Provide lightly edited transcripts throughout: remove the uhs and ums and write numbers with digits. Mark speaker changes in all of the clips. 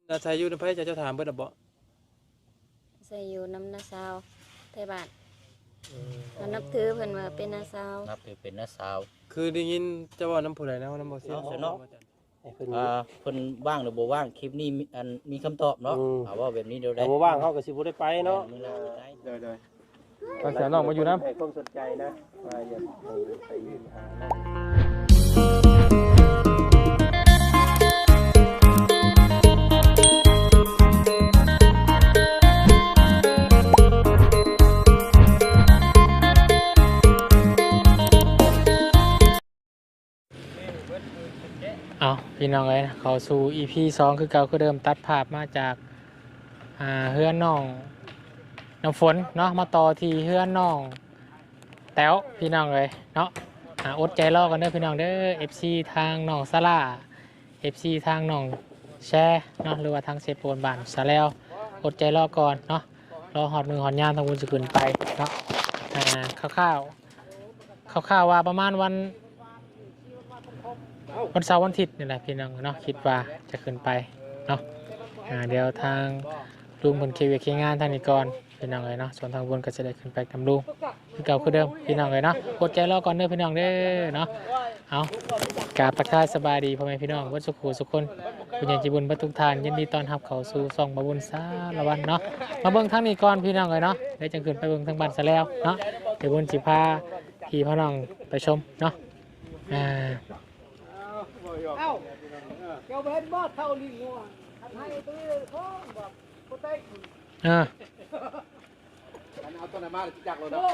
Speaker 1: อาศัยอยู่ในไผเจ้าถามเบิดบ่
Speaker 2: ใส่อยู่น้ำนาซาวไทยบ้านเขานับถือเพิ่นว่าเป็นนาซาว
Speaker 3: นับถือเป็นน้าสาว
Speaker 1: คือได้ยินเจ้าเว้านํผู้ใดนะว่านํบ่เสีย
Speaker 3: เอาซะเนาะ
Speaker 4: ให้เพิ่น
Speaker 3: เพิ่นว่างหรือบ่ว่างคลิปนี้มีคำตอบเนาะว่าแบบนี้เดี๋ยวได้
Speaker 4: แต่บ่ว่างเขาก็สิบ่ได้ไปเนาะ
Speaker 3: มื้อหน้าจะได้
Speaker 4: เด้อ
Speaker 1: ก็เสียน้องมาอยู่นํ
Speaker 4: ให้ความสนใจนะว่าอยากไปยืนหาน้อง
Speaker 5: เอาพี่น้องเอ้ยเขาสู่ EP 2คือเก่าคือเดิมตัดภาพมาจากเฮือนน้องน้ำฝนเนาะมาต่อที่เฮือนน้องแต๋วพี่น้องเลยเนาะอดใจรอกันเด้อพี่น้องเด้อ FC ทางน้องซาร่า FC ทางน้องแชร์เนาะหรือว่าทางเซโปนบ้านซาแล้วอดใจรอก่อนเนาะรอหอดมือหอดยามทางบุญจะขึ้นไปเนาะคร่าวๆว่าประมาณวันเสาร์วันอาทิตย์นี่แหละพี่น้องเนาะคิดว่าจะขึ้นไปเนาะเดี๋ยวทางลุงบนเควีเคงานทางนี้ก่อนพี่น้องเลยเนาะส่วนทางบนก็จะได้ขึ้นไปทำลุงคือเก่าคือเดิมพี่น้องเลยเนาะกดใจรอก่อนเด้อพี่น้องเด้อเนาะเอากราบทักทายสบายดีพ่อแม่พี่น้องวัดสุขุสุขคนคุณยายจิบุญบัตุกทานยินดีต้อนรับเข้าสู่ซองบบุญสารวันเนาะมาเบิ่งทางนี้ก่อนพี่น้องเลยเนาะได้จังขึ้นไปเบิ่งทางบ้านซะแล้วเนาะเดี๋ยวบุญสิพาพี่พ่อน้องไปชมเนาะเ
Speaker 6: จ้าเป็นบ่เท่าลิงงัวให้ตัวท้องแบบโคตรเต็กเอาตัวไหนมาจักเลยนะ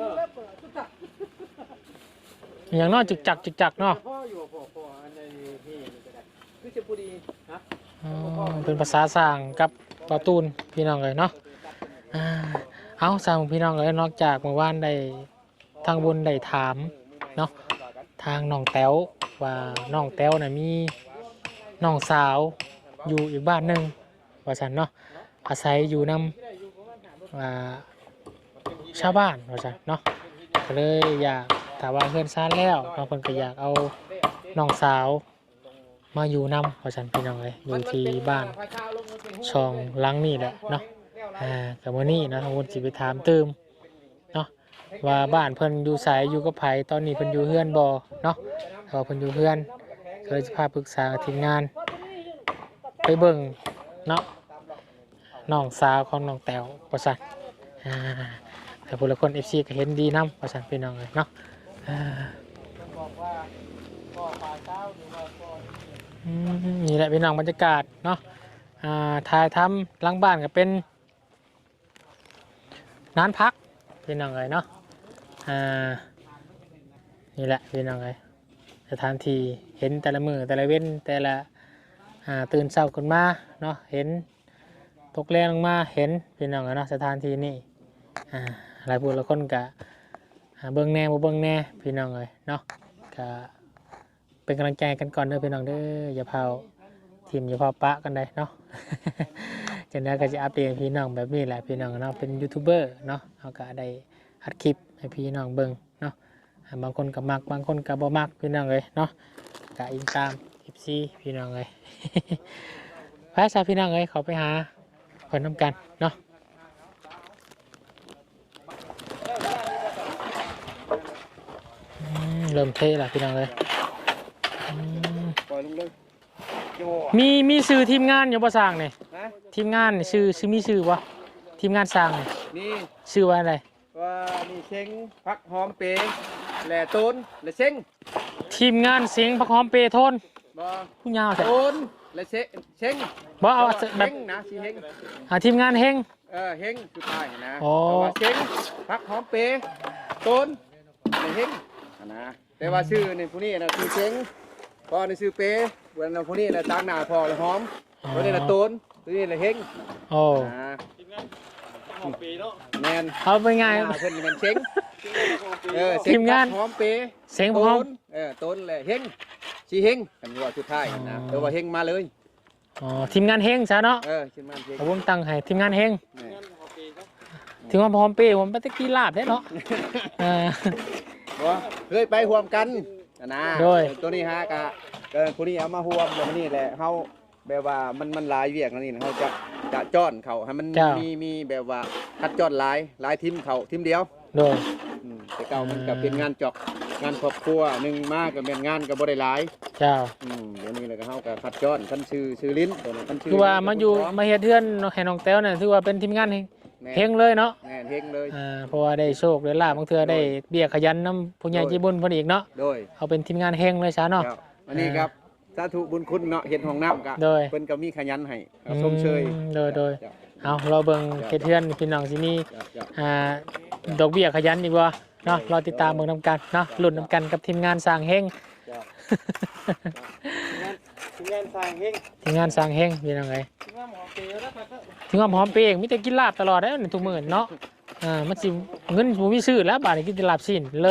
Speaker 5: อย่างน้อยจึกจักเนาะ
Speaker 6: พ่ออยู่พ่ออันนี้นี่คือจะพูดดีฮะ
Speaker 5: เป็นภาษาสร้างกับปาตูนพี่น้องเลยเนาะเอาสร้างพี่น้องเลยนอกจากเมื่อวานได้ทางบนได้ถามเนาะทางน้องแต้วว่าน้องแต้วน่ะมีน้องสาวอยู่อีกบ้านหนึ่งว่าฉันเนาะอาศัยอยู่นำชาวบ้านว่าฉันเนาะก็เลยอยากถามว่าเพื่อนซ่านแล้วบางคนก็อยากเอาน้องสาวมาอยู่นำว่าฉันพี่น้องเลยอยู่ที่บ้านช่องหลังนี่แหละเนาะกับวันนี้นะทางคนสิไปถามตืมเนาะว่าบ้านเพิ่นอยู่ไสอยู่กับไผตอนนี้เพิ่นอยู่เฮือนบ่เนาะถ้าเพิ่นอยู่เฮือนเคยจะพาปรึกษาทีมงานไปเบิ่งเนาะน้องสาวของน้องแต้วว่าซั่นแต่ผู้ละคน FC ก็เห็นดีนำว่าซั่นพี่น้องเลยเนาะนี่แหละพี่น้องบรรยากาศเนาะถ่ายทำหลังบ้านก็เป็นน้านพักพี่น้องเลยเนาะนี่แหละพี่น้องเลยสถานที่เห็นแต่ละมือแต่ละเว้นแต่ละตื่นเช้าขึ้นมาเนาะเห็นตกแรงลงมาเห็นพี่น้องเลยเนาะสถานที่นี่หลายผู้ละคนกะเบิ่งแน่บ่เบิ่งแน่พี่น้องเลยเนาะกะเป็นกำลังใจกันก่อนเด้อพี่น้องเด้ออย่าเผาทีมอย่าเผาปะกันได้เนาะ จากนั้นก็จะอัปเดตพี่น้องแบบนี้แหละพี่น้องเนาะเป็นยูทูบเบอร์เนาะเขาก็ได้อัดคลิปให้พี่น้องเบิ่งเนาะบางคนก็มักบางคนก็บ่มักพี่น้องเลยเนาะก็อิงตามFCพี่น้องเลย ไปซะพี่น้องเลยเขาไปหาคนน้ำกันเนาะเริ่มเทแล้วพี่น้องเลย
Speaker 6: ปล่อยลงเลย
Speaker 5: มีชื่อทีมงานอยู่บ่สร้างนี่ทีมงานนี่ชื่อมีชื่อบ่ทีมงานสร้างนี่
Speaker 6: นี่
Speaker 5: ชื่อว่าอะไร
Speaker 6: ว่านี่เช้งพักหอมเปย์แหล่ต้นแหล่เช้ง
Speaker 5: ทีมงานเสียงพักหอมเปโทน
Speaker 6: บ่
Speaker 5: ผู้ยาวแท้
Speaker 6: ต้นแหล่เช้ง
Speaker 5: บ่เอาแบบ
Speaker 6: เช้งนะชีเฮง
Speaker 5: ทีมงานเฮง
Speaker 6: เฮงคือปลายนะ
Speaker 5: อ๋อ
Speaker 6: แต่ว่าเช้งพักหอมเปย์ต้นแหล่เฮงนะแต่ว่าชื่อนี่ผู้นี้นะคือเช้งพ่อนี่ชื่อเปย์วันนั้นผู้นี้นะตั้งหน้าพ่อแล้วหอมวันนี้นะต้นตัวนี้นะเฮง
Speaker 5: โอ้
Speaker 6: แมน
Speaker 5: เอาไปไง
Speaker 6: เพิ่นเป็นเช้ง
Speaker 5: ทีมงาน
Speaker 6: หอมเปย์
Speaker 5: เสียงพักหอม
Speaker 6: ต้นแหละเฮงชีเฮงกันว่าสุดท้ายนะแต่ว่าเฮงมาเลย
Speaker 5: อ๋อทีมงานเฮงซะเนาะ
Speaker 6: ชื่อมันเฮง
Speaker 5: ผมตั้งให้ทีมงานเฮงทีมงานพักหอมเปผมไปตะกี้ลาบแท้เนาะ
Speaker 6: ว่าเคยไปห่วมกันนะ
Speaker 5: โดย
Speaker 6: ตัวนี้ฮะกะผู้นี้เอามาห่วมแล้วนี่แหละเฮาแบบว่ามันหลายเวียกนั่นนี่นะเขาจะจ้อนเขาให้มัน
Speaker 5: เจ้า
Speaker 6: มีแบบว่าคัดจ้อนหลายทีมเขาทีมเดียว
Speaker 5: โดย
Speaker 6: แต่เก่ามันก็เป็นงานจอกงานครอบครัวหนึ่งมากก็เป็นงานก็บ่ได้หลาย
Speaker 5: เจ้า
Speaker 6: เดี๋ยวนี้เลยก็เฮาก็คัดจ้อนคันชื่อลิ้นตัวนั้นคันชื่
Speaker 5: คือว่ามาอยู่มาเฮ็ดเทือนให้น้องแต้วเนี่ยถือว่าเป็นทีมงานเฮงเลยเนาะ
Speaker 6: แม่นเฮงเลย
Speaker 5: เพราะว่าได้โชคได้ลาบบางเทื่อได้เบี้ยขยันนํผู้ใหญ่ใจบุญเพิ่นอีกเนาะ
Speaker 6: โดย
Speaker 5: เอาเป็นทีมงานเฮงเลยซะเนาะ
Speaker 6: ครับอันนี้ครับสาธุบุญคุณเนาะเฮ็ดห้องน้ำก็
Speaker 5: โดย
Speaker 6: เพิ่นก็มีขยันให้ชมเชย
Speaker 5: โดยเอาเราเบิ่งเฮ็ดเทือนพี่น้องสิมีดอกเบี้ยขยันอีกบ่เนาะรอติดตามเบิ่งนํกันเนาะลุ้นนํกันกับทีมงานสร้างเฮง
Speaker 1: ทีมงานสร้างเฮง
Speaker 5: ทีมงานสร้างเฮงเป็นยังไง
Speaker 1: ทีมงานหมอเปย์แล้วครับ
Speaker 5: ถึงหอมเปย์มีแต่กินลาบตลอดได้ทุกมื้อเนาะมันสิเงินบ่มีซื้อแล้วบาดนี้กินแต่ลาบสิ้นเลย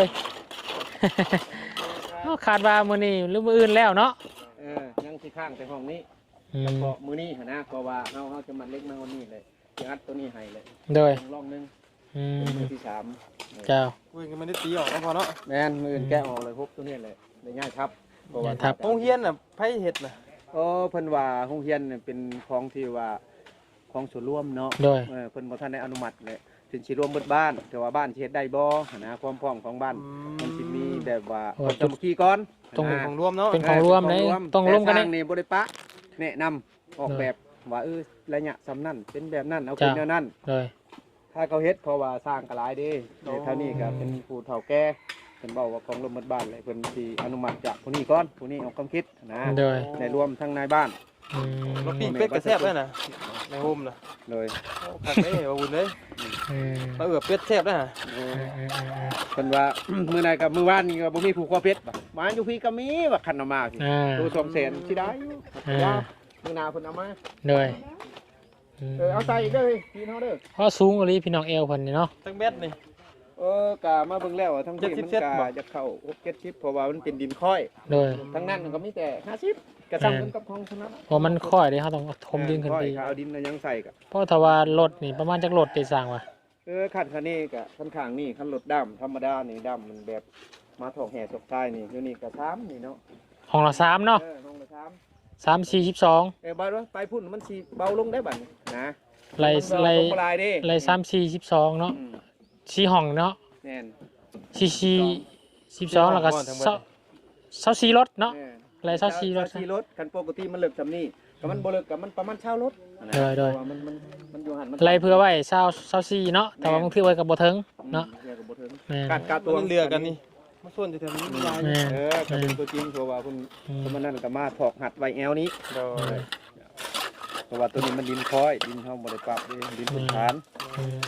Speaker 5: ขาดว่ามื้อนี้หรือมื้ออื่นแล้วเนาะ
Speaker 6: ยังสิข้างแต่ห้องนี้
Speaker 5: อื
Speaker 6: แล้ว
Speaker 5: ม
Speaker 6: ก็มื้อนี้หั่นนะเพราะว่าเฮาจะมาเล็กมาวันนี้เลยสิอัดตัวนี้ให้เลย
Speaker 5: โดย
Speaker 6: รอบนึง
Speaker 5: อื
Speaker 6: เป็น
Speaker 5: ม
Speaker 6: มื้อที่สาม
Speaker 5: เจ้า
Speaker 1: คุยกันไม่ได้ตีออกแล้วพอเนาะ
Speaker 6: แม่นมื้ออื่นแกะออกเลยพบตัวนี้เลยได้ง่ายครับเพราะว่า
Speaker 5: ครับ
Speaker 1: โรงเรียนน่ะไผเฮ็ดน่ะ
Speaker 6: เพิ่นว่าโรงเรียนเนี่ยเป็นของที่ว่าของส่วนรวมเนาะ
Speaker 5: โดย
Speaker 6: เพิ่นบ่ทันได้อนุมัติเลยถึงสิรวมเบิดบ้านแต่ว่าบ้านสิเฮ็ดได้บ่นะความพร้อมของบ้านมันสิมีแบบว่าคนสามัคคีก่อน
Speaker 1: ต้องเป็นของรวมเนาะ
Speaker 5: เป็นของรวมเลยต้องร่วมกัน
Speaker 6: แต่
Speaker 5: ได้
Speaker 6: สร้างนี่บ่ได้ปะแนะนำออกแบบว่าระยะสำนั้นเป็นแบบนั้นเอาเป็นแนวนั้น
Speaker 5: โดย
Speaker 6: ถ้าเขาเฮ็ดเพราะว่าสร้างก็หลายเด้เท่านี้ก็เป็นผู้เฒ่าแก่เพิ่นบอกว่าของรวมเบิดบ้านเลยเพิ่นสิอนุมัติจากผู้นี้ก่อนผู้นี้ออกความคิดนะ
Speaker 5: โดย
Speaker 6: ได้รวมทั้งนายบ้าน
Speaker 5: อืม
Speaker 1: รถปิ้งเป็ดก็แซ่บแล้วน่ะในโฮมน่ะ
Speaker 6: เลย
Speaker 1: ผักได้ว่าบุญเลย
Speaker 5: อืม
Speaker 1: มาเป็ดแซ่บแล้วน่ะ
Speaker 6: เพิ่นว่า มื้อใดกับมื้อวานนี่ก็บ่มีผู้ขอเพชรบ่มาอยู่พี่ก็มีว่าคันเอามาพี่ ตัว200,000สิได้อยู่ว่ามื้อหน้าเพิ่นเอามา
Speaker 5: โดย
Speaker 6: เอาใส่อีกเด้อพี่น้องเด้อ
Speaker 5: พอสูงกว่านี้พี่น้องเอวเพิ่นนี่เนาะ
Speaker 1: ตั้งเม็ดนี่
Speaker 6: กะมาเบิ่งแล้วอะทั้งที่มัน
Speaker 1: 70
Speaker 6: กะ
Speaker 1: บ่
Speaker 6: จะเข้า6-70เพราะว่ามันเป็นดินค่อย
Speaker 5: โดย
Speaker 6: ทั้งนั้นมันก็มีแต่50กระซ้ำกันกับของเท่านั้น
Speaker 5: เพราะมันค่อยเด้เฮาต้องถมดินขึ้นไป
Speaker 6: ค่อยเอาดินน่ะยังใส่กะ
Speaker 5: เพราะถ้าว่ารถนี่ประมาณจักรถได้สร้างว่ะ
Speaker 6: คันนี้กะคันข้างนี่คันรถดำธรรมดานี่ดำมันแบบมาถอกแห่ตกท้ายนี่อยู่นี่ก็3นี่เนาะ
Speaker 5: ห้องละ3เนาะ
Speaker 6: ห้องละ3
Speaker 5: 3 4 12
Speaker 6: บ่ว่าไปพุ่นมันสิเบาลงได้บัดนี้นะ
Speaker 5: ไล่
Speaker 6: มันบ่ลายเด้
Speaker 5: ไล่3 4 12เนาะ4ห้องเนาะ
Speaker 6: แน่น
Speaker 5: 4 12แล้วก็24รถเนาะ ไล่24รถ
Speaker 6: รถคันปกติมันเลิกจำนี่ก็มันบ่เลิกกับมันประมาณ20รถ
Speaker 5: โดย
Speaker 6: มันอยู่หันมัน
Speaker 5: ไล่เพื่อไว้24เนาะแต่ว่าบางทีไว้ก็บ่ถึงเนาะ
Speaker 6: เรียกกับบ่ถึง
Speaker 5: แม่น
Speaker 6: การตัว
Speaker 1: มันเรือกันนี่มาส่วนที่แถวนี้มีหลาย
Speaker 5: แม่น
Speaker 6: ก็เป็นตัวจริงเพราะว่าเพิ่น
Speaker 5: อืม
Speaker 6: เพราะมันนั่นก็มาถอกหัดไว้แอวนี้
Speaker 1: โดย
Speaker 6: เพราะว่าตัวนี้มันดินคอยดินเฮาบ่ได้ปรับเด้ดินพื้นฐาน
Speaker 5: อืม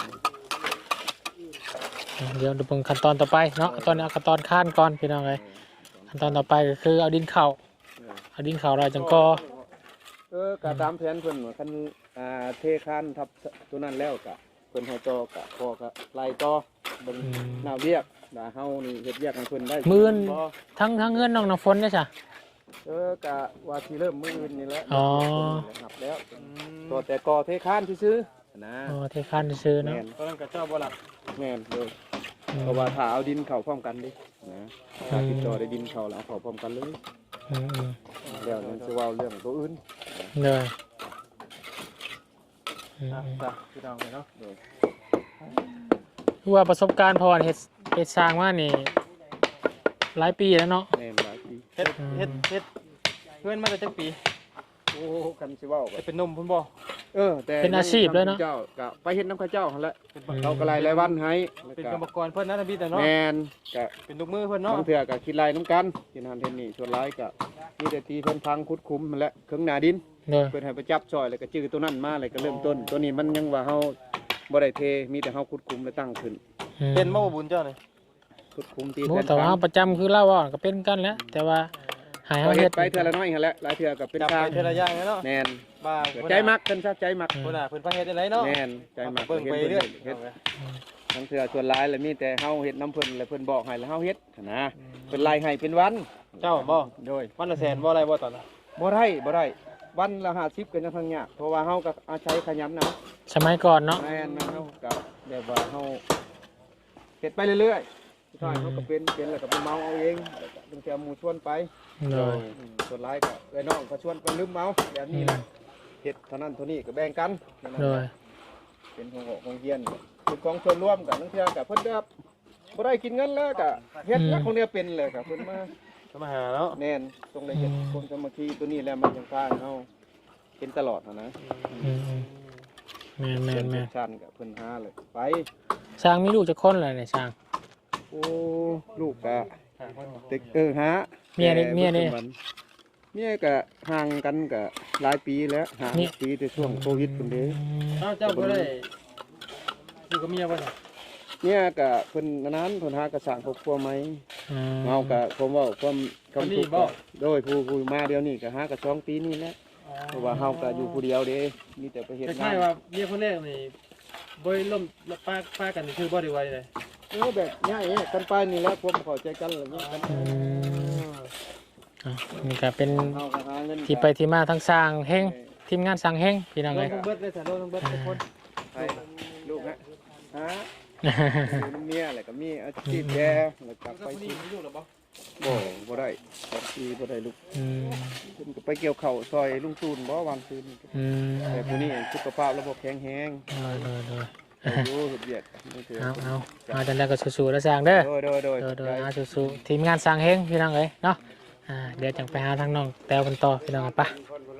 Speaker 5: เดี๋ยวดูเบิ่งขั้นตอนต่อไปเนาะตอนนี้เอาขั้นตอนข้านก่อนพี่น้องเลยขั้นตอนต่อไปก็คือเอาดินเข้าเอาดินเข้าเราจังก็
Speaker 6: ก็ตามแผนเพิ่นว่าคันเทคานทับตัวนั้นแล้วก็เพิ่นให้ต่อก็พอก็ไล่ต่อเบิ่งหน้าเวียกว่าเฮานี่เฮ็ดเวียกให้เพิ่นได้
Speaker 5: มื้อน
Speaker 6: บ่
Speaker 5: ทั้งเงินน้องน้ำฝนเด้อจ้ะ
Speaker 6: ก็ว่าสิเริ่มมื้ออื่นนี่แหละ
Speaker 5: อ๋อ
Speaker 6: นับแล้วตัวแต่ก่อเทคานซื่อๆนะ
Speaker 5: อ๋อเทคานซื้อเนาะ
Speaker 6: แม่น
Speaker 1: ตอนนั้นก็เจ้าบ่หลับ
Speaker 6: แม่นเลยเพราะว่าถ้าเอาดินเข้าพร้อมกันดินะถ้าติดต่อได้ดินเข้าแล้วเอาเข้าพร้อมกันเลย
Speaker 5: อืม
Speaker 6: แล้วนั่นสิเว้าเรื่องตัวอื่น
Speaker 5: เลย
Speaker 1: จ้ะพี่น้องเนาะ
Speaker 5: คือว่าประสบการณ์พอเฮ็ดสร้างมานี่หลายปีแล้วเนาะ
Speaker 6: แม่นหลายปี
Speaker 1: เฮ็ดเพื่อนมาแต่จักปี
Speaker 6: โอ้คันสิเว้าก็
Speaker 1: จะเป็นนมพุ่นบ่
Speaker 6: แต่
Speaker 5: เป็นอาชีพเลยเนาะ
Speaker 6: เจ้าก็ไปเฮ็ดน้ำข้าเจ้าหั่นแหละเราก็รายวันให้แล้ว
Speaker 1: เป็น
Speaker 6: ก็
Speaker 1: กรรมกรเพิ่นนะท่านพี่แต่เนาะ
Speaker 6: แม่นก็
Speaker 1: เป็นลูกมือเพิ่นเนาะ
Speaker 6: บางเทื่อก็คิดรายน้ำกันกินหันเทนนี่ส่วนหลายก็มีแต่ตีเพิ่นพังขุดคุ้มนั่นแหละเครื่องหน้าดิน
Speaker 5: เลย
Speaker 6: เพิ่นให้ไปจับซอยแล้วก็จื้อตัวนั้นมาแล้วก็เริ่มต้น ตัวนี้มันยังว่าเฮาบ่ได้เทมีแต่เฮาขุดคุ้มแล้วตั้งขึ้น
Speaker 1: เป็นบ่บุญเจ้านี่
Speaker 6: ขุดคุ้มตี
Speaker 5: โอ้
Speaker 6: แทน
Speaker 5: แต่ว่าประจำคือเล่าว่าก็เป็นกันแหล้วแต่ว่าหาย
Speaker 6: ก็
Speaker 5: เฮา
Speaker 6: เฮ็
Speaker 5: เฮ็
Speaker 6: ด
Speaker 5: ด
Speaker 6: ไปเทื่อละน้อยหั่นแหละหลายเทื่อก็เป็น
Speaker 1: จับ
Speaker 6: ทาง
Speaker 1: ไปเทอละอย่างเนาะ
Speaker 6: แม่น
Speaker 1: บ้า
Speaker 6: ใจมักเพิ่นซะใจมัก
Speaker 1: เพิ่นน่ะเพิ่นพาเฮ็ดได้ไรเนาะ
Speaker 6: แม่นใจมัก
Speaker 1: เบิ่งไปเรื่อย
Speaker 6: เฮ็ดทั้งเทื่อส่วนหลายแล้วมีแต่เฮาเฮ็ดน้ำเพิ่นแล้วเพิ่นบอกให้แล้วเฮาเฮ็ดนะเพิ่นไล่ให้เป็นวัน
Speaker 1: เจ้าบ่
Speaker 6: โดย
Speaker 1: วันละแสนบ่อะไรบ่ตอนน่ะ
Speaker 6: บ่ได้วันละ50ก็ยังทางยากเพราะว่าเฮาก็อาศัยขยันนะ
Speaker 5: สมัยก่อนเนาะ
Speaker 6: แม่นเฮาก็แบบว่าเฮาเฮ็ดไปเรื่อยๆท้ายเขาก็เป็นแล้วก็ไปเมาเอาเองตั้งแต่หมู่ชวนไป
Speaker 5: โดย
Speaker 6: ส่วนหลายก็ไอ้น้องก็ชวนไปลืมเมาแบบนี้แหละเฮ็ดเท่านั้นเท่านี้ก็แบ่งกันนั่น
Speaker 5: โด
Speaker 6: น่ะ
Speaker 5: ย
Speaker 6: เป็นของเฮียนเป็นของส่วนรวมกันทั้งเทื่อกับเพิ่นก็บ่ได้กินเงินแล้วก็เฮ็ดแล้วของเนี้ยเป็นเลยก็เพิ่นมา
Speaker 1: มาหาเนาะ
Speaker 6: แน่นตรงได้เฮ็ดคนสามัคคีตัวนี้แล้วมันจังพาเฮาเป็นตลอดนะ
Speaker 5: อืมแม่นแม่นแม่น
Speaker 6: ชันกับเพิ่นหาเลยไป
Speaker 5: ช้างมีลูกจักคนเลยเนี่ยช้าง
Speaker 6: โอ้ลูกก็ตึกหา
Speaker 5: เมียนี่
Speaker 6: เมียก็ห่างกันก็หลายปีแล้วห่างปีแต่ช่วงโควิดพุ่นเด้
Speaker 1: อ้าวเจ้าบ่ได้อยู่กับเมียบ่ล่ะ
Speaker 6: เนี่ยก็เพิ่นอันนั้นเพิ่นหากระสร้างครอบครัวไหม
Speaker 5: อืม
Speaker 6: เฮาก็ผมเว้าความคำทุกข์ก็โดยผู้มาเดี๋ยวนี้ก็หากระ2 ปีนี่แหละเพราะว่าเฮาก็อยู่ผู้เดียวเด้มีแต่ไปเฮ็ด
Speaker 1: ค
Speaker 6: งา
Speaker 1: ล้าย
Speaker 6: น
Speaker 1: ๆว่าเมียคนแรกนี่บ่ได้ล่มป้ากันนี่คือบ่ได้ไว้เลย
Speaker 6: แบบง่ายๆกันไปนี่แหละความเข้าใจกันอะไรเงี้ย
Speaker 5: อืมอ่ะนี่ก็เป็น
Speaker 6: เฮาก็หาเงิน
Speaker 5: ที่ไปที่มาทั้งสร้างเฮงทีมงานสร้างเฮงพี่น้อง
Speaker 1: โด
Speaker 5: เล
Speaker 1: น
Speaker 5: ย
Speaker 1: ทั้งเบิดเลยจ้ะโดนทั้งเบิดทุกคน
Speaker 6: ไปลูกฮะหาอยู่เมียอะไรก็มีอาชีพแย่แล้วกลับไปที่
Speaker 1: อยู่หรอบ่
Speaker 6: บ่ได้2 ปีบ่ได้ลูก
Speaker 5: อืม
Speaker 6: เพิ่นก็ไปเกี่ยวข้าวซอยลุงตูนบ่วันคืน
Speaker 5: อืม
Speaker 6: แต่ผู้นี้สุขภาพระบบแข็งแรง
Speaker 5: โดย
Speaker 6: อยู่เฮ็ดเวียกนี่คือ
Speaker 5: เอาจังได้ก็สู้ๆแล้วสร้างเด้อ
Speaker 6: โดย
Speaker 5: โดยเอาสู้ๆทีมงานสร้างเฮงพี่น้องเลยเนาะเดี๋ยวจังไปหาทางน้องแต้วกันต่อพี่น้องไป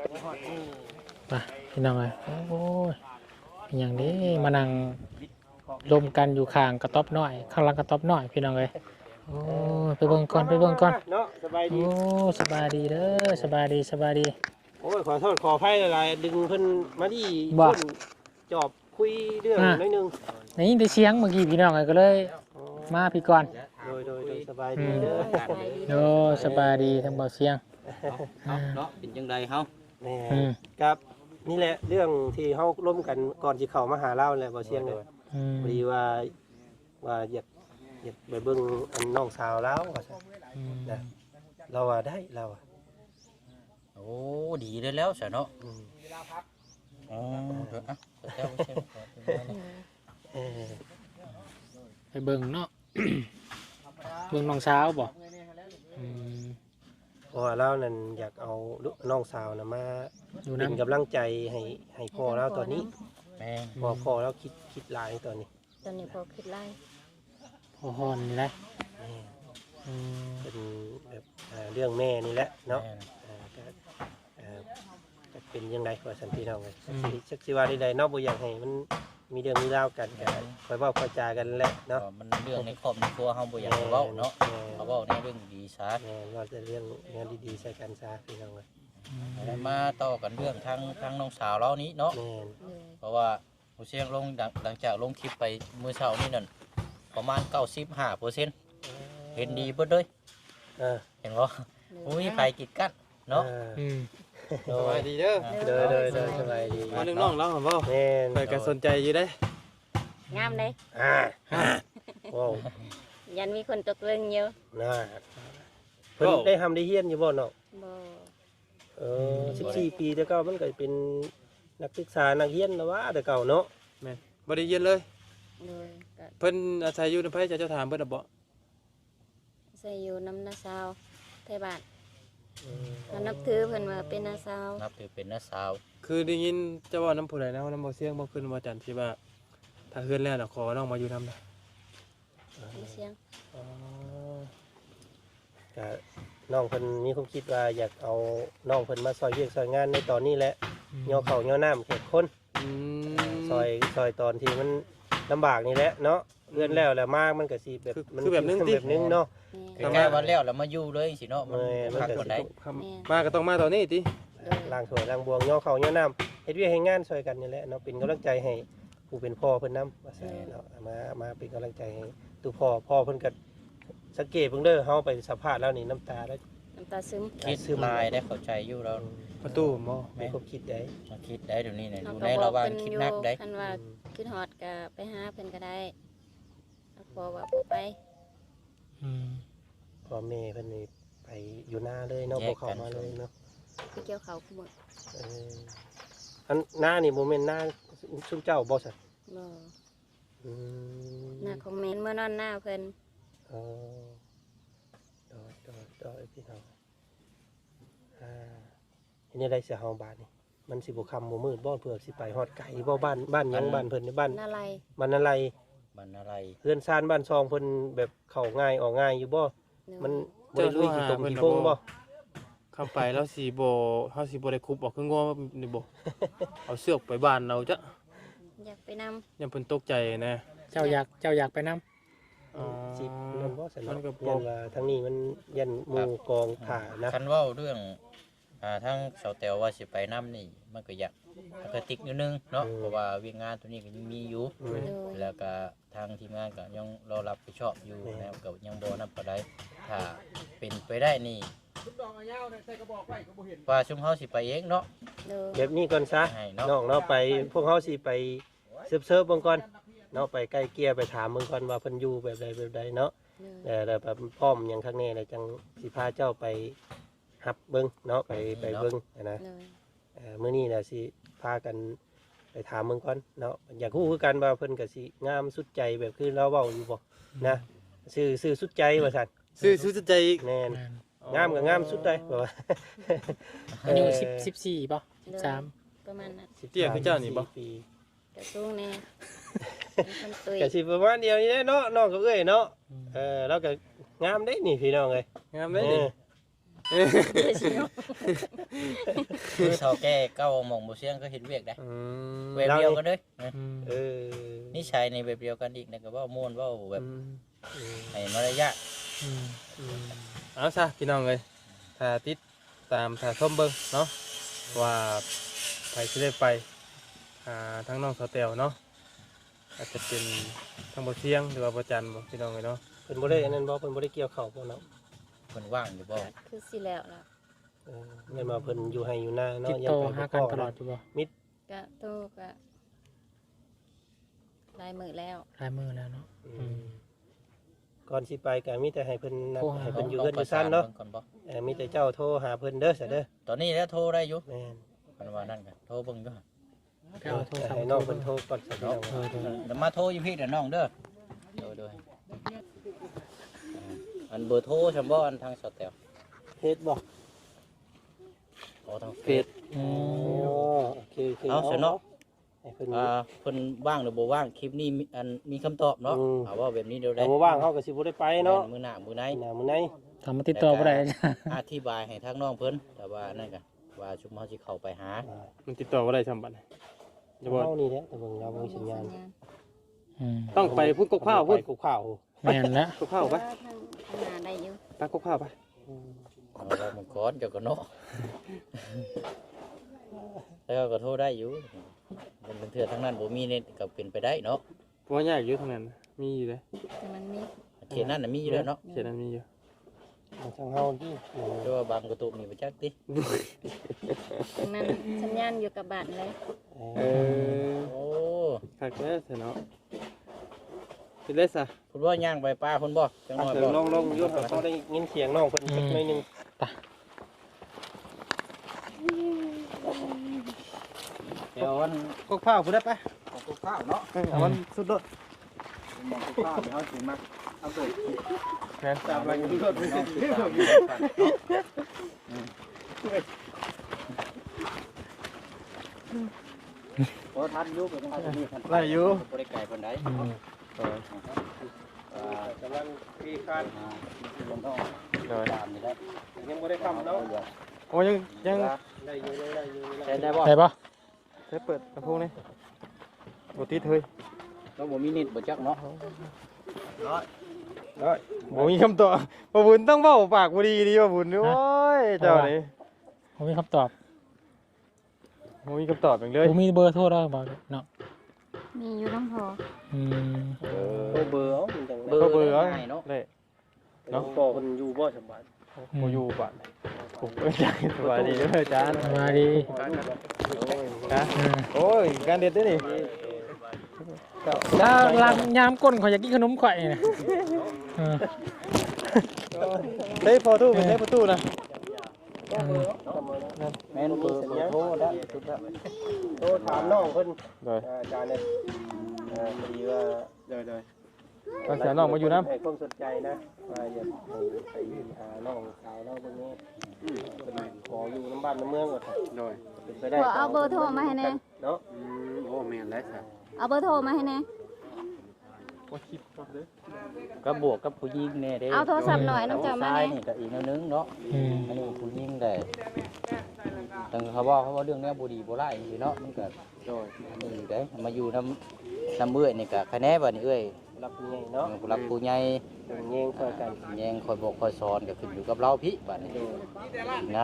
Speaker 5: พี่น้องเลยโอ้ยอย่างนี้มานั่งรวมกันอยู่ข้างกระต๊อบน้อยข้างหลังกระต๊อบน้อยพี่น้องเลยโอ้ยไปเบิ่งก่อน
Speaker 4: เนาะสบายดี
Speaker 5: โอ้สบายดีเด้อสบายดี
Speaker 4: โอ้ยขอโทษขออภัยหลายๆดึงเพิ่นมาที่
Speaker 5: บ่
Speaker 4: คนจอบคุยเรื่องน้อยหนึง
Speaker 5: นี่ได้เสียงเมื่อกี้พี่น้องเลยก็เลยมาพี่ก่อน
Speaker 4: โดยสบายดีเด้อ
Speaker 5: โอ้สบายดีทั้งเบาเสียง
Speaker 3: เนาะเป็นจังไดเฮา
Speaker 4: แน่
Speaker 5: อืม
Speaker 4: ครับนี่แหละเรื่องที่เฮาร่วมกันก่อนสิเข้ามาหาเราแหละบ่เสียงเลย
Speaker 5: อืม
Speaker 4: พอดีว่าอยากไปเบิ่งอันน้องสาวเราว่าซั่น
Speaker 5: อืม
Speaker 4: นะเราว่าได้เราอะ
Speaker 3: โอ้ดีเลยแล้วซะเนาะ
Speaker 4: อืม
Speaker 3: อ๋อเดี๋ยวอ่ะเจ้าใช่ก่อน
Speaker 4: เออ
Speaker 5: ไปเบิ่งเนาะ เบิ่งน้องสาวบ่อืม
Speaker 4: เพราะว่าเรานั่นอยากเอาน้องสาวน่ะมา
Speaker 5: อยู่
Speaker 4: เป็น
Speaker 5: น้ำ
Speaker 4: กำลังใจให้พ่อเราตอนนี้
Speaker 3: แม่ง
Speaker 4: พ่อเราคิดหลายตอนนี้
Speaker 2: ตอนนี้พอคิดไล่
Speaker 5: พอฮอนนี่แหละ
Speaker 4: แม่
Speaker 5: อืม
Speaker 4: เป็นแบบเรื่องแม่นี่แหละเนาะ
Speaker 3: แม่ง
Speaker 4: ก็จะเป็นยังไงว่าสันพี่น้องเลยสักสิว่าใดๆเนาะบ่อยากให้มันมีเรื่องมีราวกันก็คอยเว้าคอยจากันแหละเนาะ
Speaker 3: ก็มันเรื่องในครอบในครัวเฮาบ่อยากให้เว้าเนาะเขาเว้าในเรื่องดีซะ
Speaker 4: แม่ว่าจะเรื่องงานดีๆใส่กันซะพี่น้องเลย
Speaker 3: แล้วมาต่อกันเรื่องทางน้องสาวเรานี้เนาะ
Speaker 4: แม่น
Speaker 2: เลย
Speaker 3: เพราะว่าผู้เสียงลงหลังจากลงคลิปไปมื้อเช้านี่นั่นประมาณ 95% เห็นดีเบิดเลย
Speaker 4: เออ
Speaker 3: เห็นบ่อุ้ยไปกิดกันเนาะ
Speaker 5: อืม
Speaker 1: สบายดีเด้อ
Speaker 4: เด้อสบายดี
Speaker 1: มานึงน้องเราเหรอบ่
Speaker 4: แม่น
Speaker 1: เปิดก็สนใจอยู่ได้
Speaker 2: งามเลย
Speaker 4: ว้าว
Speaker 2: ยันมีคนตกเรื่องเยอะ
Speaker 4: น่าเพิ่นได้ทำได้เฮียนอยู่บ่เนาะ
Speaker 2: บ่
Speaker 4: 14 ปีแต่เก่ามันก็เป็นนักศึกษานักเรียนแล้วว่าแต่เก่าเนาะ
Speaker 1: แม่นบ่ได้เย็นเลย
Speaker 2: เลยก็
Speaker 1: เพิ่นอาศัยอยู่ในไผเจ้าถามเพิ่นน่ะบ่
Speaker 2: ใส่อยู่น้ำนาซาวไทยบ้านเขานับถือเพิ่นว่าเป็นนาซาว
Speaker 3: นับถือเป็นน้าสาว
Speaker 1: คือได้ยินเจ้าว่าน้ำผู้ใดนะว่าน้ำบ่เสียงบ่ขึ้นบ่จันทร์ที่ว่าถ้าเฮือนแล้วน่ะขอน้องมาอยู่นำนะ
Speaker 2: มีเสียง
Speaker 4: ก็น้องเพิ่นมีความคิดว่าอยากเอาน้องเพิ่นมาซอยเวียกซอยงานในตอนนี้แหละย่อเข้าย่อน้ำแขกคน
Speaker 1: อืม
Speaker 4: ซอยตอนที่มันลำบากนี่แหละเนาะเลื่อนแล้วมากมันก็สิแบบแบบนึงเนาะ
Speaker 2: แม่
Speaker 3: ใกล้ๆวันแล้วมาอยู่เลยสิเนาะมัน
Speaker 4: มัน
Speaker 3: พัก
Speaker 4: ก็
Speaker 3: คน
Speaker 4: สิ
Speaker 3: ใด
Speaker 1: มาก็ต้องมาตอนนี้ติ
Speaker 2: เลย
Speaker 4: ล้างถ้วยล้างบวงย่อเข้าย่อน้ำเฮ็ดเวียกให้งานซอยกันนี่แหละเนาะเป็นกำลังใจให้ผู้เป็นพ่อเพิ่นนำว่าซั่นเนาะมาเป็นกำลังใจให้ตัวพ่อเพิ่นก็สังเกตเพิ่งเด้อเฮาไปสัมภาษณ์แล้วนี่น้ำตาแล้ว
Speaker 2: น้ำตาซึม
Speaker 3: คิดลายได้เข้าใจอยู่แล้ว
Speaker 1: ประตูบ่
Speaker 4: มีความคิดได้
Speaker 3: มาคิดได้เดี๋ยวนี้เนี่ยอ
Speaker 2: เขา
Speaker 3: ยู่
Speaker 2: ก็
Speaker 3: ใน
Speaker 2: บอ
Speaker 3: ระ
Speaker 2: ก
Speaker 3: หว่าง
Speaker 2: เพิ่น
Speaker 3: คิด
Speaker 2: อยู่
Speaker 3: นักได้
Speaker 2: คันว่าคิดฮอดก็ไปหาเพิ่นก็ได้แล้วพอว่าบ่ไป
Speaker 5: อืม
Speaker 4: พ่อแม่เพิ่นนี่ไปอยู่หน้าเลยเนาะบ่เข้ามาเลยเนาะ
Speaker 2: ไปเกี่ยวเขาคุมื้อ
Speaker 4: เอออันหน้านี่บ่แม่นหน้าซุมเจ้าบ่ซั่น
Speaker 2: บ่
Speaker 4: อืม
Speaker 2: หน้าคอมเมนต์เมื่อนอนหน้าเพิ่น
Speaker 4: เอเออดอยพี่น้องอันนี้ได้เสียเฮาบาทนี่มันสิบ่ค่ำบ่มืดบ่เพื่อสิไปฮอดไก่บ่บ้านหยังบ้านเพิ่นในบ้าน
Speaker 2: นาไร
Speaker 4: มันอะไร
Speaker 3: มันอะไร
Speaker 4: เรือนซานบ้านซองเพิ่นแบบเข้าง่ายออกง่ายอยู่บ่มันบ่ได้ลุยขี้ตมขี้พงบ่
Speaker 1: เข้าไปแล้วสิบ่เฮาสิบ่ได้คุบออกคืองัวนี่บ่ เอาเสือกไปบ้านเราจ้ะ
Speaker 2: อยากไปนำ
Speaker 1: ยังเพิ่นตกใจนะ
Speaker 5: เจ้าอยากไปนํ
Speaker 1: อ๋อ
Speaker 4: สินั่นบ่สน
Speaker 1: มันก็
Speaker 4: ยั
Speaker 1: บ่
Speaker 4: นว่าทางนี้มันยันหมู่กองถ่านะ
Speaker 3: คันเว้าเรื่องทั้งสาวแตวว่าสิไปน้ำนี่มันก็อยากมันก็ติดนิดนึงเนาะเพราะว่าเวียงงานตัวนี้ก็ยังมีอยู่
Speaker 2: โดย
Speaker 3: แล้วก็ทางทีมงานก็ยังรอรับผิดชอบอยู่นะครับก็ยังบ่นำปานใดถ้าเป็นไปได้นี่ว่าชุมเฮาสิไปเองเนาะ
Speaker 2: โดย
Speaker 4: แบบนี้ก่อนซะ
Speaker 3: ให้เนาะ
Speaker 4: น้องเนาะไปพวกเฮาสิไปเซิร์ฟเบิ่งก่อนเนาะไปใกล้เกลียไปถามเบิ่งก่อนว่าเพิ่นอยู่แบบใดเนาะ
Speaker 2: โดย
Speaker 4: แล้วแบบพร้อมหยังข้างแน่แล้วจังสิพาเจ้าไปหับเบิ่งเนาะไปเบิ่งนะ
Speaker 2: โดย
Speaker 4: มื้อนี้น่ะสิพากันไปถามเบิ่งก่อนเนาะอยากรู้คือกันว่าเพิ่นก็สิงามสุดใจแบบคือเราเว้าอยู่บ่นะซื่อสุดใจว่าซั่น
Speaker 1: ซื้อใจอีก
Speaker 4: แม่นงามก็งามสุดได้บ่ว่า
Speaker 5: อายุ14ป่ะ13
Speaker 2: ประมาณนั้น
Speaker 1: เตี้ยคือเจ้านี่บ่
Speaker 4: ปี
Speaker 2: กระสูงแน่เป็นคนตุย
Speaker 4: ก็สิประมาณเดียวนี้แหละเนาะน้องก็เอ้ยเนาะเราก็งามได้นี่พี่น้องเอ้ย
Speaker 1: งามเลยดิ
Speaker 3: คือเฒ่าแก่เก้าหม่องบ่เสียงก็เฮ็ดเวียกได้
Speaker 1: อืม
Speaker 3: แบบเดียวกันเด้
Speaker 4: เออ
Speaker 3: นิสัยในแบบเดียวกันอีกนะก็เว้าม่วนเว้าแบบให้มารยาท
Speaker 1: เอาซะพี่น้องเลยถ้าติดตามถ้าชมเบิ่งเนาะว่าไปสิได้ไปทั้งน้องสาวแตวเนาะอาจจะเป็นทั้งบ่เสียงหรือว่าบ่จันบ่พี่น้องเลยเนาะ
Speaker 4: เพิ่นบ่ได้อันนั้นบ่เพิ่นบ่ได้เกี่ยวข้าวบ่เนาะ
Speaker 3: เพิ่นว่างอยู่บ่
Speaker 2: คือสิแล้วล่ะ
Speaker 4: แม่นว่าเพิ่นอยู่ให้อยู่หน้าเนาะ
Speaker 5: ติดต่อหากันตลอดอยู่บ่
Speaker 2: กะโตกะลายมือแล้ว
Speaker 5: หลายมื้อแล้วเนาะ
Speaker 4: ก่อนสิไปก็มีแต่ให้เพิ่นนัด
Speaker 5: โทรหา
Speaker 4: ให้เพิ่นอยู่เฮือนอยู่ซั่นเนาะ
Speaker 3: ก่อนบ่
Speaker 4: มีแต่เจ้าโทรหาเพิ่นเด้อซะเด้อ
Speaker 3: ตอนนี้แล้วโทรได้อยู่
Speaker 4: แม่น
Speaker 3: เพิ่นว่านั่นกันโทรเบิ่งอยู่หั่น
Speaker 5: ไปเอาโทรศัพท์
Speaker 4: ให้น้องเพิ่นโทรก่อนซะพี่น้อง
Speaker 3: เดี๋ยวมาโทรอยู่พี่เดี๋ยวน้องเด้อโดยอันเบอร์โทรซั่นบ่อันทางสแตล
Speaker 4: เฮ็ดบ่
Speaker 3: ขอทางเฟซ
Speaker 5: อืม
Speaker 4: โอเค
Speaker 3: เอาซะเนาะ
Speaker 4: ให้เพิ่น
Speaker 3: เพิ่นว่างหรือบ่ว่างคลิปนี้มีคำตอบเนาะเอาว่าแบบนี้เดี๋ยวได้
Speaker 4: ถ้าบ่ว่างเฮาก็สิบ่ได้ไปเนาะ
Speaker 3: มื้อหน้ามื้อไหน
Speaker 4: มื้อไหน
Speaker 5: ทำมาติดต่อบ่ได้
Speaker 3: อธิบายให้ทางน้องเพิ่นแต่ว่านั่นกันว่าชุมเฮาสิเข้าไปหา
Speaker 1: มันติดต่อบ่ได้ซำบัดจะบ่
Speaker 4: เฮานี่แหละแต่เบิ่งเราบ่มีสัญญาณ
Speaker 5: อืม
Speaker 1: ต้องไปพุ่นกกข้าวพุ่น
Speaker 4: กูข้าว
Speaker 5: แม่นแล้ว
Speaker 1: กกข้าวไป
Speaker 2: ทางหน้าได้อยู่
Speaker 1: ตักกกข้าวไป
Speaker 3: เอาเรามังกรเจ้าก็เนาะแล้วก็โทรได้อยู่เป็นเถื่อทั้งนั้นบ่มีเน็ตก็เป็นไปได้เนาะ
Speaker 1: เพราะว่ายากอยู่ทางนั้นมีอยู่เด้
Speaker 2: แต่มันมี
Speaker 3: เขตนั้นน่ะมีอยู่แล้วเนาะ
Speaker 1: เขียนนั้นมีอยู่
Speaker 4: ทางเฮาที่
Speaker 3: แต่ว่าบางกระตุกนี่บ่จักติ
Speaker 2: ตรงนั้นสัญญาณอยู่กับบ้านเลย
Speaker 1: เออ
Speaker 3: โอ้
Speaker 1: คักแท้ซะเนาะสิได้ซะ
Speaker 3: คุณว่าย่างไปป้าคุณบ่จังหน่อยบ่
Speaker 4: ลองยศเขาได้ยินเสียงน้องเพิ่นสักหน่อยนึง
Speaker 3: เดี๋ยววัน
Speaker 1: กกข้าวพุ่นได้ไป
Speaker 6: ของกุ๊กข้าวเนาะ
Speaker 1: เอามันสุดโดด
Speaker 6: มองกุ๊กข้าวเดี๋ยวเขาสิมาเอาตัว
Speaker 1: แม่น
Speaker 6: ตามอะไรกันด้วยพอทันยุบทันนี่ทัน
Speaker 1: ไล่อยู่
Speaker 3: บ่ได้ไกลปานใด
Speaker 5: อืม
Speaker 4: กำลังมีการ
Speaker 3: ลงต้อง
Speaker 1: โดย
Speaker 3: ตามนี่แหละ
Speaker 4: ยังบ่ได้ทำเนาะ
Speaker 1: โอ้ยัง
Speaker 4: ได้อยู่ได้อยู่
Speaker 3: ใช้ได้บ่
Speaker 5: ได้บ่
Speaker 1: ใช้เปิดลำโพงนี่บ่ติดเฮ้ย
Speaker 3: ต้องบ่มีนิดบ่จักเนาะ
Speaker 1: บ่มีคำตอบบ่บุญต้องเว้าปากบ่ดีบ่บุญโอ้ยเจ้านี่
Speaker 5: ผมมีคำตอบ
Speaker 1: บ่มีคำตอบจังเลย
Speaker 5: ผมมีเบอร์โทรแล้วบ่เนาะ
Speaker 2: มีอยู่น้ำพอ
Speaker 5: อืม
Speaker 4: เบอร์เอาจัง
Speaker 1: เบอร์เอา
Speaker 3: ง่ายเนาะ
Speaker 1: ได้
Speaker 4: เนาะพ่อเพิ่นอยู่บ่สบาย
Speaker 1: บ่อยู่บ้านผมก็อยากสบายดีเด้ออาจารย์
Speaker 5: มาดี
Speaker 1: นะ
Speaker 5: อืม
Speaker 1: โอ้ยการเด็ดเด้อนี่
Speaker 5: ถ้าลำยามก้นข่อยอยากกินขนมข่อยน่ะเออ
Speaker 1: ได้พอตู้เป็นได้ประตูนะ
Speaker 3: แม่นเบอร์โทรแล้วสุดแล้ว
Speaker 4: โทรถามน้องเพิ่น
Speaker 1: โดย
Speaker 4: อาจารย์เนี่ยพอดีว่า
Speaker 1: โดยก็เสียน้องมาอยู่น้ำ
Speaker 4: ให้ความสนใจนะว่าอยากให้ไปหาน้องสาวเราเบิ่งนี้เป็นขออยู่น้ำบ้านน้ำเมืองก่อน
Speaker 6: โดย
Speaker 4: เป็นไปได้
Speaker 2: ขอเอาเบอร์โทรมาให้แน่
Speaker 4: เนาะ
Speaker 6: โอ้แม่นแล้วจ้ะ
Speaker 2: เอาเบอร์โทรมาให้แน่
Speaker 3: ก็บวกกับผู้หญิงแน่เด้
Speaker 2: เอาโทรศัพท์หน่อยน้ำเจ้ามา
Speaker 3: ชาย
Speaker 2: แน่
Speaker 3: นี่ก็อีกแนวนึงเนาะ
Speaker 5: อืม
Speaker 3: อันนี้ผู้หญิงได้แต่เขาว่าเรื่องเนี้ยบ่ดีบ่ร้ายสิเนาะมันก็
Speaker 6: โดย
Speaker 3: นี่อยู่ได้มาอยู่น้ำเอื้อยนี่ก็คะแนนบัดนี้เอ้ย
Speaker 4: รับผู้ใหญ่เนาะ
Speaker 3: ผู้รักผู้ใหญ่
Speaker 4: เป็นแย่งช่วยกัน
Speaker 3: แยงคอยบอกคอยสอนก็ขึ้นอยู่กับเราพี่บัดนี้ง่าย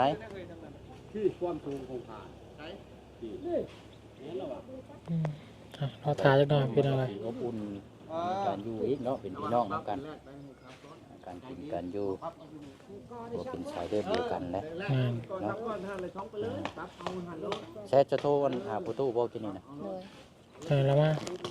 Speaker 5: อืมอ่ะเราทาจักหน่อยพี่น้องเลย
Speaker 3: อบอุ่นการอยู่อีกเนาะเป็นพี่น้องนำกันการกินการอยู่ตัวเป็นสายเลือดเดียวกันนะ
Speaker 5: แม่น
Speaker 3: เนาะแช่จะโทรวันหาประตูบอกกินนี่นะ
Speaker 2: เลย
Speaker 5: เออแล้วมา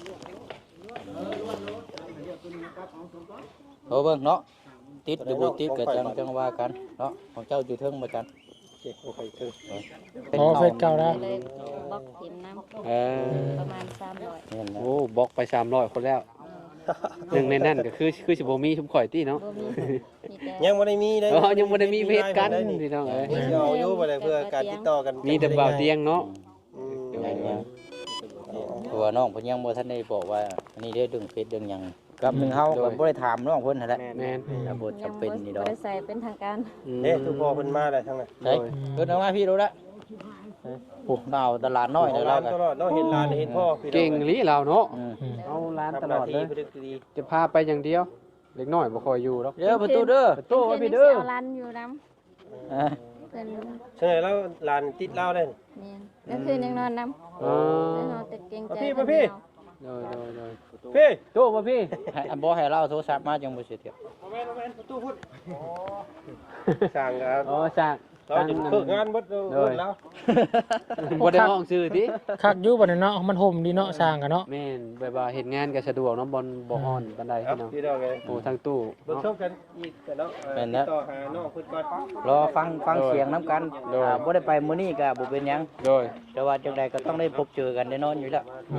Speaker 3: โทรเบิ่งเนาะติดหรือบ่ติดก็จังว่ากันเนาะของเจ้าอยู่เทิงมากัน
Speaker 4: เจ็บโอเคคือ
Speaker 5: อ๋อเฟซเก่าแล้ว
Speaker 2: เลยบล็อกทีมน้
Speaker 6: เออ
Speaker 2: ำประมาณ300
Speaker 3: นี่นะ
Speaker 6: โอ้บล็อกไป300คนแล้วหนึ่งในนั้นก็คือสิบ่มีชุมข่อยติเนาะ
Speaker 2: บ่มีมีแต่
Speaker 4: ยังบ่ได้มีเลย
Speaker 6: อ๋อยังบ่ได้มีเพจกันพี่น้องเอ้ย
Speaker 4: เดี๋ยวเอาอยู่บ่ได้เพื่อการติดต่อกัน
Speaker 6: มีแต่บ่าวเตียงเนาะ
Speaker 4: อืม
Speaker 3: ตัวน้องเพิ่นยังบ่ทันได้บอกว่าอันนี้เด้อดึงเฟซดึงหยังกับหนึงเฮาก็บ่ได้ถามน้องเพิ่นนั่นแหละ
Speaker 6: แม่น
Speaker 3: ถ้าบ่จำเป็นนี่ดอก
Speaker 2: บ่ได้ใส่เป็นทางการ
Speaker 4: เอ๊ะทุกพ่อเพิ่นมาได้ทั้งนั้น
Speaker 3: เฮ้ยเพิ่นเอามาพี่ดูละโอ้ดาวตลาดน้อยเลย
Speaker 4: ร้า
Speaker 3: เรา
Speaker 4: น
Speaker 3: ก็
Speaker 4: ตลอดเนาะเห็นร้านเห็นพ่อพี่น้อง
Speaker 6: เก่งอีหลีเราเนาะ
Speaker 3: อืม
Speaker 5: อืม
Speaker 6: เอาร้าน
Speaker 4: ทำ
Speaker 6: ต
Speaker 4: ห
Speaker 6: ล
Speaker 4: น้า
Speaker 6: อดเล
Speaker 4: ที่
Speaker 6: ย
Speaker 4: พฤติดี
Speaker 6: จะพาไปอย่างเดียวเล็กน้อยบ่ค่อยอยู่หรอก
Speaker 3: เดี๋ยวประตูเด้อ
Speaker 6: โตไว้พี่เด้อ
Speaker 2: เอาร้านอยู่น้
Speaker 3: อ่ะ
Speaker 2: ำเพิ่น
Speaker 4: ใช่แล้วร้านติดเหล้าได้
Speaker 2: แม่นก็คือยังนอนน้ำ
Speaker 6: อ๋อ
Speaker 2: แล้วนอนแต่เกรงใจ
Speaker 4: พี่
Speaker 2: เพิ่น
Speaker 4: พี่
Speaker 2: เอา
Speaker 6: โดย
Speaker 4: พี่
Speaker 6: โตมาพี่
Speaker 3: ให้อันบ่ให้เราโทรศัพท์มาจังบ่สิเถียง
Speaker 4: แม่นประตูพุ่นสั่งครับ
Speaker 6: อ๋อจ้าง
Speaker 4: เราจะเพิกงานเบิดแล้ว
Speaker 6: บ่ได้ห้องซื้อติ
Speaker 5: คักอยู่บัดนี้เนาะมันห่มดีเนาะสร้างกันเนาะ
Speaker 6: แม่นแบบว่าเฮ็ดงานก็สะดวกเนาะบ่ฮ้อนปานใด
Speaker 4: ครั
Speaker 6: พี่
Speaker 4: บ
Speaker 6: น้อง
Speaker 4: พี่น้องไง
Speaker 6: โอ้ทางตู้
Speaker 4: เบิ่ง
Speaker 6: เนาะ
Speaker 4: ชมกันอีกกันเนาะติดต่อหาน้องเพิ่นก่อน
Speaker 3: รอฟังเสียงน้ำกัน
Speaker 6: โดย
Speaker 3: บ่ได้ไปมื้อนี้ก็บ่เป็นหยัง
Speaker 6: โดย
Speaker 3: แต่ว่าจังใดก็ต้องได้พบเจอกันแน่นอนอยู่แล้ว
Speaker 5: เลย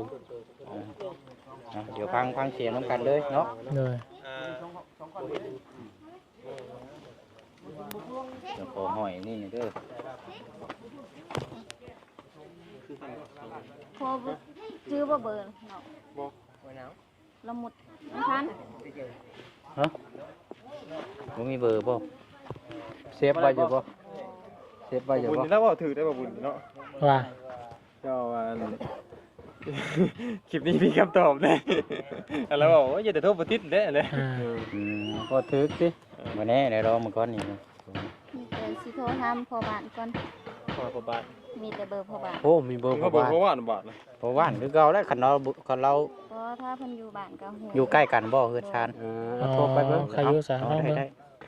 Speaker 3: เดี๋ยวฟังเสียงน้ำกันเลยเนาะ
Speaker 5: เลย
Speaker 3: เดี๋ยวขอหอยนี่เด้อ
Speaker 2: โทรบ่ชื่อบ่เบอร์เนาะละมุดไม่ทัน
Speaker 3: ฮะบ่มีเบอร์บ่
Speaker 6: เซฟไว้อยู่บ่เซฟไว้อยู่
Speaker 1: บุญ
Speaker 6: บ่
Speaker 1: แล้วบ่ถือได้บ่บุญเนาะ
Speaker 5: ว่า
Speaker 1: เจ้าว่าคลิปนี้มีคำตอบเลยแล้วบอกว่าอย่าแต่โทษบ่ติดเด้เลย
Speaker 5: อ่า
Speaker 6: บ่ถึกติ
Speaker 3: บ่แน่เดี๋ยวรอมาก่อนนี่
Speaker 2: มีแต่สิโทรทำพอบ้านก่อน
Speaker 1: ขอประบาท
Speaker 2: มีแต่เบอร์พอบ้าน
Speaker 6: โอ้มีเบอร์
Speaker 1: ก็
Speaker 6: พ่อ
Speaker 1: บอก
Speaker 6: บ้าน
Speaker 1: ว่าบาทนะ
Speaker 3: เพราะว่านคือเก่าแล้วคันเรา
Speaker 2: เพราะถ้าเพิ่นอยู่บ้านก็ฮู้
Speaker 3: อยู่ใกล้กันบ่เฮือนชาน
Speaker 6: เอาโทรไปเบิ่ง
Speaker 5: ใครอยู่สา
Speaker 3: เอา
Speaker 5: ห้อง
Speaker 3: ได้
Speaker 5: เบิ่ง
Speaker 3: ได้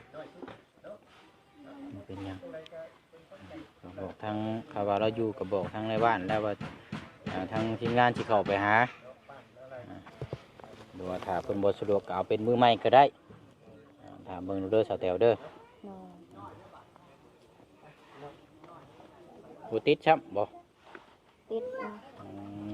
Speaker 3: เป็นหยังบอกทางข่าวว่าเราอยู่กับบอกทางในบ้านแล้วว่าทางทีมงานที่เข้าไปหาดูว่าถ้าเพิ่นบ่สะดวกก็เอาเป็นมือใหม่ก็ได้ถามเบิ่งดูเด้อสาวแตวเด้อ
Speaker 2: เนาะ
Speaker 3: บ่ติดช้ำบ่
Speaker 2: ติด
Speaker 3: อืม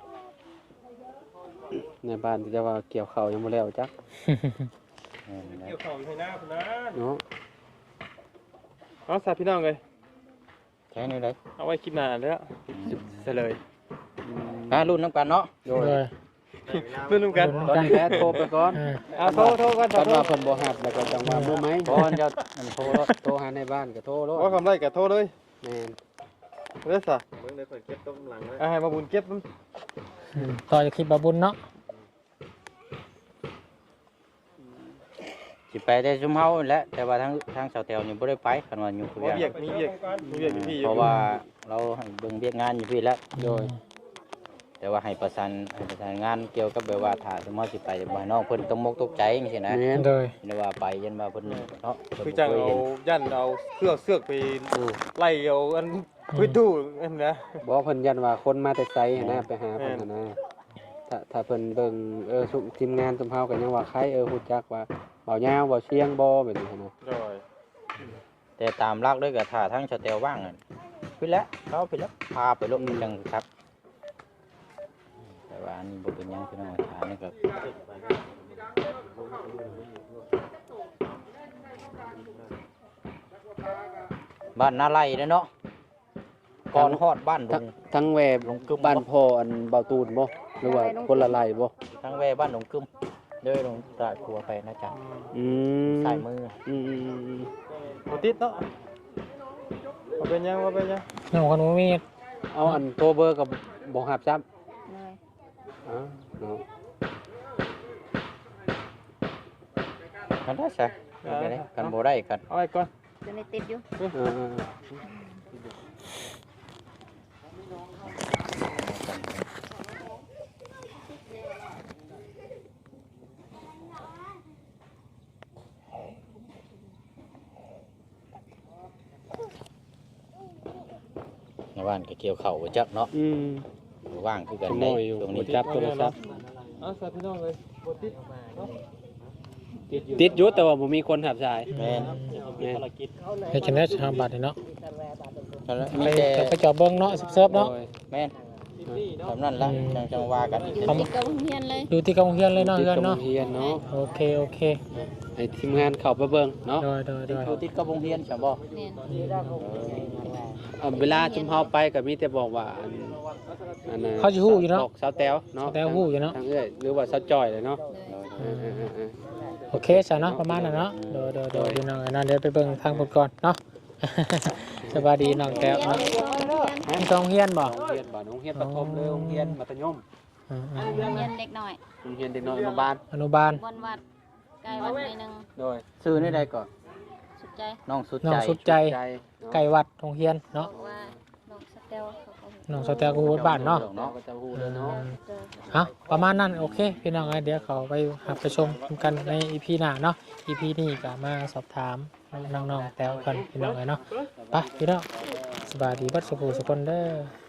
Speaker 6: ในบ้านที่จะว่าเกี่ยวข้าวยังบ่แล้วจัก
Speaker 4: เกี่ยวของให้หน้าพุ่นนะ
Speaker 6: เนาะ
Speaker 1: เอาสาพี่น้องเลย
Speaker 3: แค่นี้เลย
Speaker 1: เอาไว้คลิปหน้าแล้วเฉลย
Speaker 3: รุ่นน้ำกันเนาะ
Speaker 6: โดย
Speaker 5: เลย
Speaker 1: เพื่อนร่วมกัน
Speaker 6: ตอนนี้แล้โทรไปก่อน
Speaker 5: อ่า
Speaker 1: โทรกัน
Speaker 6: ตอนว่าเพิ่นบ่ฮับแล้วก็จังว่ามื้อไหม
Speaker 3: ก่อนจะโทรรถ
Speaker 6: โทรหาในบ้านก็โทรโลด
Speaker 1: ว่าคำไรกับโทรเลย
Speaker 6: แม่น
Speaker 1: เด้อสา
Speaker 4: เบิ่งได้เพิ่นเก็บต้มหลังเลย
Speaker 1: ให้มาบุญเก็บมัน
Speaker 5: อืมต่อจากคลิปบาบุญเนาะ
Speaker 3: สิไปได้ซุมเฮาแหละแต่ว่าทางสาวแตวนี่บ่ได้ไปคันว่าอยู่ผู้
Speaker 1: มี
Speaker 3: เดียว
Speaker 1: เวียกอยู่พี่
Speaker 3: เพราะว่าเราให้เบิ่งเวียกงานอยู่พี่แล้ว
Speaker 6: โดย
Speaker 3: แต่ว่าให้ประสานงานเกี่ยวกับแบบว่าถ้าสมมติสิไปบ่ให้น้องเพิ่นตกมกตกใจจังซี่นะ
Speaker 6: แม่น
Speaker 5: เลย
Speaker 3: เรียกว่าไปยันว่าเพิ่นเนาะเพิ่น
Speaker 1: คือ
Speaker 3: บ่
Speaker 1: จัง
Speaker 3: เคย
Speaker 1: เอา
Speaker 3: เห็น
Speaker 1: ยันเอาเสือกไป
Speaker 3: อู้
Speaker 1: ไล่เอาอันพื้นตู้อันนะ
Speaker 6: บ่เพิ่นยันว่าคนมาแต่ไสหั้นนะไปหาเพิ่นหั้นนะถ้าเพิ่นเบิ่งสุทีมงานซุมเฮาก็ยังว่าใครฮู้จักว่าเบายาวเบาเชียงบ่แบบนี้หั้นนะ
Speaker 1: โดย
Speaker 3: แต่ตามหลักเลยก็ถ้าทางสแตลว่างอะพี่แล้วเขาพี่แล้วพาไปลงจังครับแต่ว่าอันนี้บ่เป็นหยังพี่น้องฐานนี่ก็บ้านนาไร่เด้อเนาะก่อนฮอดบ้านดง
Speaker 6: ทั้งแวบ
Speaker 3: ลงกึม
Speaker 6: บ้านพ่ออันเบาตูนบ่หรือว่าคนละไร่บ่
Speaker 3: ทั้งแว่บ้านดงกึมเด้อลงตราดครัวไปนะจ๊ะ
Speaker 6: อืม
Speaker 3: ใส่มือ
Speaker 6: อืม
Speaker 1: บ่ติดเนาะบ่เป็นหยังบ่เป็นหยัง
Speaker 5: น้องคนบ่มี
Speaker 6: เอาอันโทรเบอร์กับบ่หับซ้ำ
Speaker 2: เลย
Speaker 6: อ๋อเนาะ
Speaker 3: กันได้ใช่กันบ่ได้กัน
Speaker 1: เอาไว้ก่อน
Speaker 2: จะได้ติดอยู่
Speaker 6: เออ
Speaker 3: ในบ้านก็เกี่ยวเข่าบ่จักเนาะ
Speaker 6: อืม
Speaker 3: บ่ว่างคือกัน
Speaker 6: ขโม
Speaker 3: ได้
Speaker 6: ยอยู่
Speaker 3: ตรง
Speaker 6: บ่
Speaker 3: นี้
Speaker 6: จับโทรศัพท์
Speaker 1: เอาซะพี่น้องเอ้ยบ่ติดเนาะ
Speaker 6: ติดอยู่แต่ว่าบ่มีคนหับสาย
Speaker 3: แม่น
Speaker 6: แม่น
Speaker 5: ให้จังได้ทางบัตรเนาะ
Speaker 3: นั่นแหละ
Speaker 5: ไป
Speaker 3: มีแต่
Speaker 5: ไปจอบเบิ่งเนาะเสิร์ฟเนาะ
Speaker 6: โดย
Speaker 3: แม่นแบบนั้นละจังว่ากัน
Speaker 2: อยู่ติดกับโรงเรียนเลย
Speaker 5: อยู่ที่กองเฮียนเลยเนาะ
Speaker 6: ติด
Speaker 5: เฮือน
Speaker 6: กับ
Speaker 5: เนาะ
Speaker 6: โรงเรียนเนาะ
Speaker 5: โอเคโอเค
Speaker 6: ให้ทีมงานเข้าไปเบิ่งเนาะ
Speaker 5: โดยโดยโดย
Speaker 3: อยู่ติดกับโรงเรียนใช่บ่
Speaker 2: แม่น
Speaker 6: เวลาจุมเฮาไปก็มีแต่บอกว่าอันน่ะ
Speaker 5: เขาสิฮู้อยู่เนาะ
Speaker 6: บอกสาวแต๋วเนาะ
Speaker 5: สาวแต๋วฮู้อยู่เนาะ
Speaker 6: ทางเอ้ยหรือว่าสาวจ้อยเลยเนาะ
Speaker 2: เลย
Speaker 6: เออ
Speaker 5: โอเคซะเนาะประมาณนั้นเนาะโดยโดยโดยพี่น้องเอ้ยนั่นเดี๋ยวไปเบิ่งทางพุ่นก่อนเนาะ สวัสดีน้องแก้วเนาะมีกองเฮียนบ่
Speaker 6: โรงเรียนบ่โรงเรียนประถมหรือโรงเรียนมัธยม
Speaker 5: อืม
Speaker 2: โรงเรียนเด็กหน่อย
Speaker 6: โรงเรียนเด็กน้อยอนุบาล
Speaker 5: อนุบาล
Speaker 2: บนวัดใกล้วัดหน่อยหนึง
Speaker 6: โดย
Speaker 3: ซื้อนี่ได้ก่อน
Speaker 2: สุดใจ
Speaker 3: น้องสุด
Speaker 5: น้อ
Speaker 3: ใจ
Speaker 5: งสุดใจ
Speaker 6: ใจ
Speaker 5: ไก่วัดโรงเรียนเนาะ
Speaker 2: บอกว่าน้องสเตลเขาก็
Speaker 5: น้องสแตลกูบ้านเนาะ
Speaker 6: เนาะก็จะฮู้เลยเนาะ
Speaker 2: เจอ
Speaker 5: เอาประมาณนั้นโอเคพี่น้องเอ้ยเดี๋ยวเขาไปหับไปชมกันใน EP หน้าเนาะ EP นี้ก็มาสอบถามน้องๆแต้วกันพี่น้องเอ้ยเนาะไปพี่น้องสบายดีเบัดสุขสุขคนเด้อ